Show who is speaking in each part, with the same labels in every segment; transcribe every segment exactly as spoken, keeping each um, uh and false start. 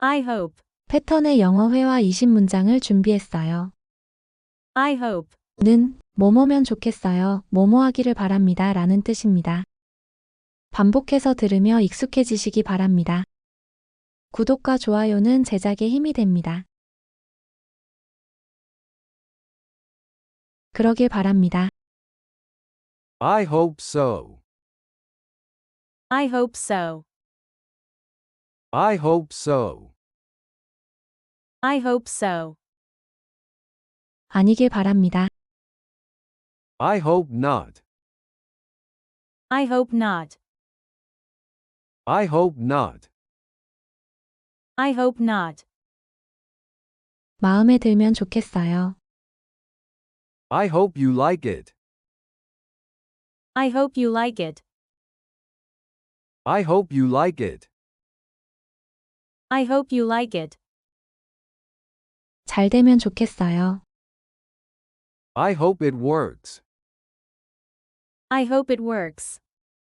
Speaker 1: I hope.
Speaker 2: 패턴의 영어 회화 이십 문장을 준비했어요.
Speaker 1: I hope.
Speaker 2: 는 뭐뭐면 좋겠어요, 뭐뭐 하기를 바랍니다 라는 뜻입니다. 반복해서 들으며 익숙해지시기 바랍니다. 구독과 좋아요는 제작에 힘이 됩니다. 그러길 바랍니다.
Speaker 3: I hope so.
Speaker 1: I hope so.
Speaker 3: I hope so.
Speaker 1: I hope so.
Speaker 2: 아니길 바랍니다.
Speaker 3: I hope not.
Speaker 1: I hope not.
Speaker 3: I hope not.
Speaker 1: I hope not.
Speaker 2: 마음에 들면 좋겠어요.
Speaker 3: I hope you like it.
Speaker 1: I hope you like it.
Speaker 3: I hope you like it.
Speaker 1: I hope you like it.
Speaker 2: 잘 되면 좋겠어요.
Speaker 3: I hope it works.
Speaker 1: I hope it works.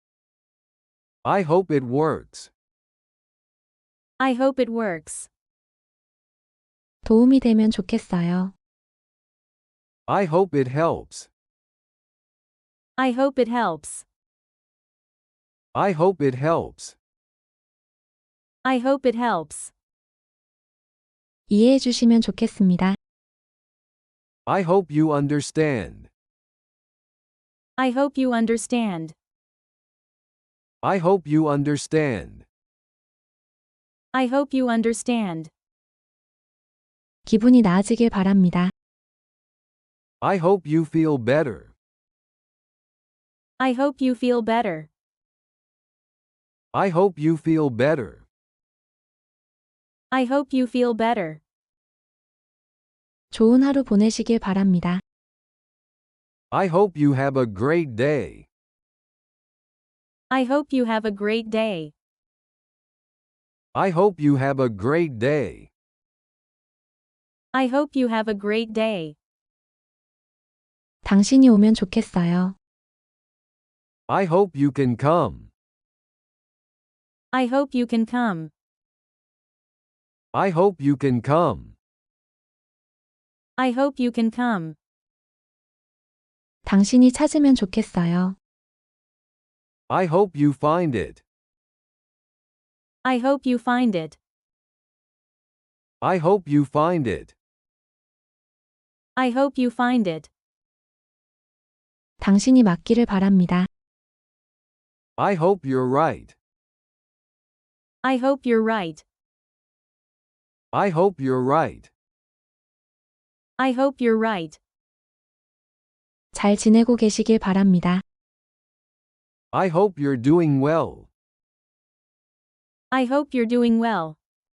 Speaker 3: I hope it works.
Speaker 1: I hope it works.
Speaker 2: 도움이 되면 좋겠어요.
Speaker 3: I hope it helps.
Speaker 1: I hope it helps.
Speaker 3: I hope it helps.
Speaker 1: I hope it helps.
Speaker 2: 이해해 주시면 좋겠습니다.
Speaker 3: I hope you understand.
Speaker 1: I hope you understand.
Speaker 3: I hope you understand.
Speaker 1: I hope you understand.
Speaker 2: 기분이 나아지길 바랍니다.
Speaker 3: I hope you feel better.
Speaker 1: I hope you feel better.
Speaker 3: I hope you feel better.
Speaker 1: I hope you feel better.
Speaker 2: 좋은 하루 보내시길 바랍니다.
Speaker 3: I hope you have a great day.
Speaker 1: I hope you have a great day.
Speaker 3: I hope you have a great day.
Speaker 1: I hope you have a great day.
Speaker 2: 당신이 오면 좋겠어요.
Speaker 3: I hope you can come.
Speaker 1: I hope you can come.
Speaker 3: I hope you can come.
Speaker 1: I hope you can come.
Speaker 2: 당신이 찾으면 좋겠어요.
Speaker 3: I hope you find it.
Speaker 1: I hope you find it.
Speaker 3: I hope you find it.
Speaker 1: I hope you find it.
Speaker 2: 당신이 맞기를 바랍니다.
Speaker 3: I hope you're right.
Speaker 1: I hope you're right.
Speaker 3: I hope you're right.
Speaker 1: I hope you're right.
Speaker 2: 잘 지내고 계시길 바랍니다.
Speaker 3: I hope you're doing well.
Speaker 1: I hope you're doing well.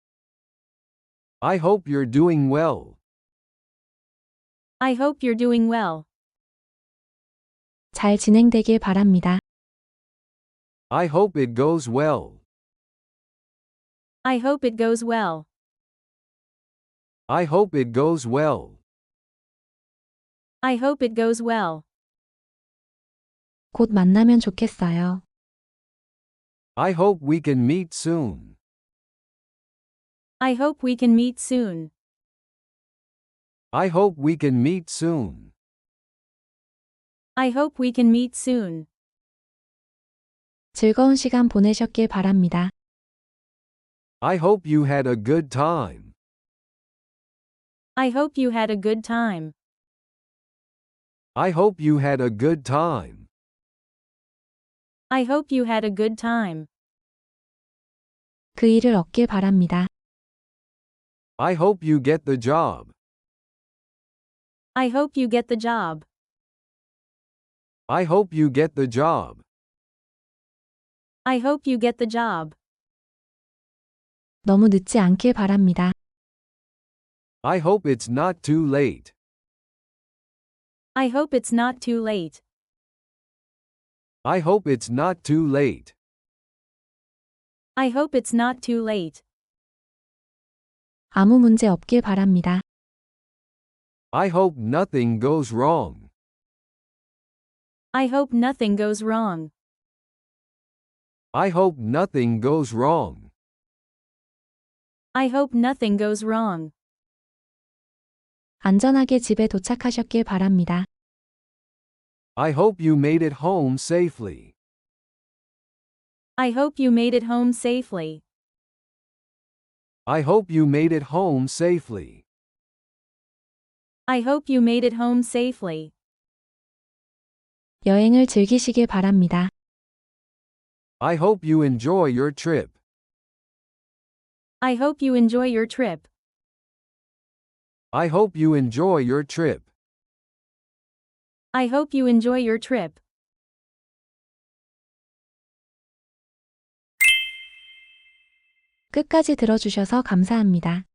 Speaker 3: I hope you're doing well.
Speaker 1: I hope you're doing well.
Speaker 2: 잘 진행되길 바랍니다.
Speaker 3: I hope it goes well.
Speaker 1: I hope it goes well.
Speaker 3: I hope it goes well.
Speaker 1: I hope it goes well.
Speaker 2: 곧 만나면 좋겠어요.
Speaker 3: I hope we can meet soon.
Speaker 1: I hope we can meet soon.
Speaker 3: I hope we can meet soon.
Speaker 1: I hope we can meet soon.
Speaker 2: 즐거운 시간 보내셨길 바랍니다.
Speaker 3: I hope you had a good time.
Speaker 1: I hope you had a good time.
Speaker 3: I hope you had a good time.
Speaker 1: I hope you had a good time.
Speaker 2: 그 일을 얻길 바랍니다.
Speaker 3: I hope you get the job.
Speaker 1: I hope you get the job.
Speaker 3: I hope you get the job.
Speaker 1: I hope you get the job.
Speaker 2: 너무 늦지 않길 바랍니다.
Speaker 3: I hope it's not too late.
Speaker 1: I hope it's not too late.
Speaker 3: I hope it's not too late.
Speaker 1: I hope it's not too late.
Speaker 2: 아무 문제 없길 바랍니다.
Speaker 3: I hope nothing goes wrong.
Speaker 1: I hope nothing goes wrong.
Speaker 3: I hope nothing goes wrong.
Speaker 1: I hope nothing goes wrong.
Speaker 2: 안전하게 집에 도착하셨길 바랍니다.
Speaker 3: I hope you made it home safely.
Speaker 1: I hope you made it home safely.
Speaker 3: I hope you made it home safely.
Speaker 1: I hope you made it home safely.
Speaker 2: 여행을 즐기시길 바랍니다.
Speaker 3: I hope you enjoy your trip.
Speaker 1: I hope you enjoy your trip.
Speaker 3: I hope you enjoy your trip.
Speaker 1: I hope you enjoy your trip.
Speaker 2: 끝까지 들어주셔서 감사합니다.